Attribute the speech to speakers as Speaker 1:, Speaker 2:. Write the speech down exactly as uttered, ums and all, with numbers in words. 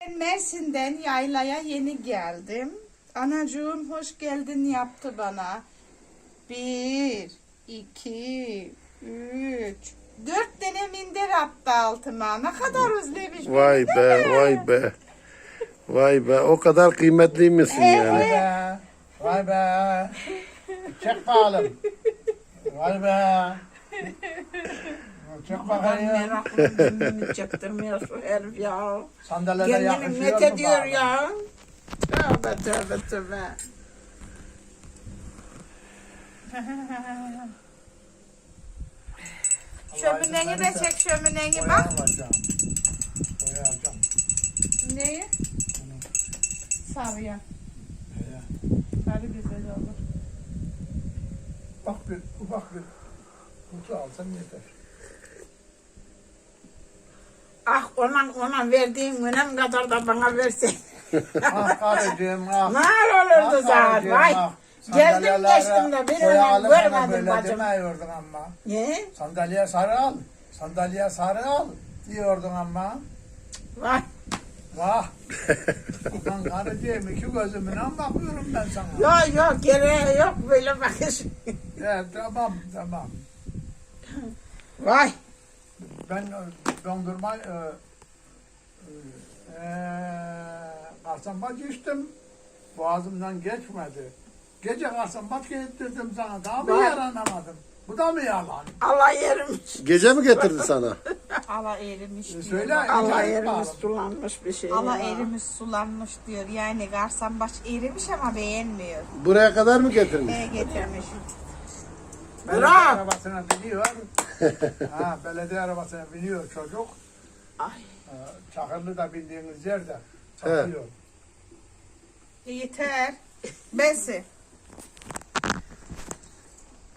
Speaker 1: Mersin'den yaylaya yeni geldim. Anacığım hoş geldin yaptı bana. Bir, iki, üç, dört tane minder attı altıma. Ne kadar özlemiş
Speaker 2: Vay
Speaker 1: beni,
Speaker 2: be,
Speaker 1: değil mi?
Speaker 2: vay be. Vay be, o kadar kıymetli misin yani?
Speaker 3: Vay be. Vay be. Çek bakalım. Vay be. Çek
Speaker 1: Ben
Speaker 3: bakayım.
Speaker 1: meraklı kendini çektirmiyor şu herif ya.
Speaker 3: Sandalyeler
Speaker 1: Kendini
Speaker 3: yakışıyor
Speaker 1: met
Speaker 3: mu
Speaker 1: ediyor
Speaker 3: bana?
Speaker 1: ya. Tövbe tövbe tövbe. Şömineni de çek şömineni
Speaker 3: Boya
Speaker 1: bak.
Speaker 3: alacağım. Boya alacağım.
Speaker 1: Neyi? Sarıya.
Speaker 3: Boya.
Speaker 1: Sarı güzel olur.
Speaker 3: Bak bir ufak bir kutu alsam yeter.
Speaker 1: Ah ona ona verdiğin önem kadar da bana versen.
Speaker 3: Ah karıcığım ah.
Speaker 1: Ne olurdu
Speaker 3: Ah
Speaker 1: zaten
Speaker 3: karıcığım,
Speaker 1: vay.
Speaker 3: ah.
Speaker 1: Geldim
Speaker 3: Sandalyelere
Speaker 1: geçtim de bir
Speaker 3: boya
Speaker 1: önem
Speaker 3: alıp bana
Speaker 1: görmedim
Speaker 3: böyle
Speaker 1: bacım.
Speaker 3: demiyordun ama.
Speaker 1: Ne?
Speaker 3: Sandalyeye sarı al. Sandalyeye sarı al diyordun ama.
Speaker 1: Vay.
Speaker 3: Vah. Ulan karıcığım iki gözümle bakıyorum ben sana.
Speaker 1: Yok yok gereği yok böyle bakış.
Speaker 3: Evet tamam tamam.
Speaker 1: Vay.
Speaker 3: Ben e, dondurma e, e, karsambaç içtim. Boğazımdan geçmedi. Gece karsambaç getirdim sana. Daha mı
Speaker 1: Vay.
Speaker 3: yaranamadım? Bu da mı yalan?
Speaker 1: Allah yerimiz.
Speaker 2: Gece mi getirdi sana?
Speaker 4: Ala erimiş
Speaker 3: E,
Speaker 4: diyor.
Speaker 3: söyle.
Speaker 1: Allah
Speaker 3: acayip
Speaker 1: yerimiz
Speaker 3: bağlı.
Speaker 1: sulanmış bir şey.
Speaker 4: Ala
Speaker 1: ya.
Speaker 4: erimiş sulanmış diyor. Yani garsambaş erimiş ama beğenmiyor.
Speaker 2: Buraya kadar mı getirmiş?
Speaker 4: E getirmiş.
Speaker 3: Belediye
Speaker 1: Bırak.
Speaker 3: arabasına biniyor. ha, belediye arabasına biniyor çocuk.
Speaker 1: Ay.
Speaker 3: E, Çakırlı da bindiğiniz yerde satıyor.
Speaker 4: E, yeter. Bensi.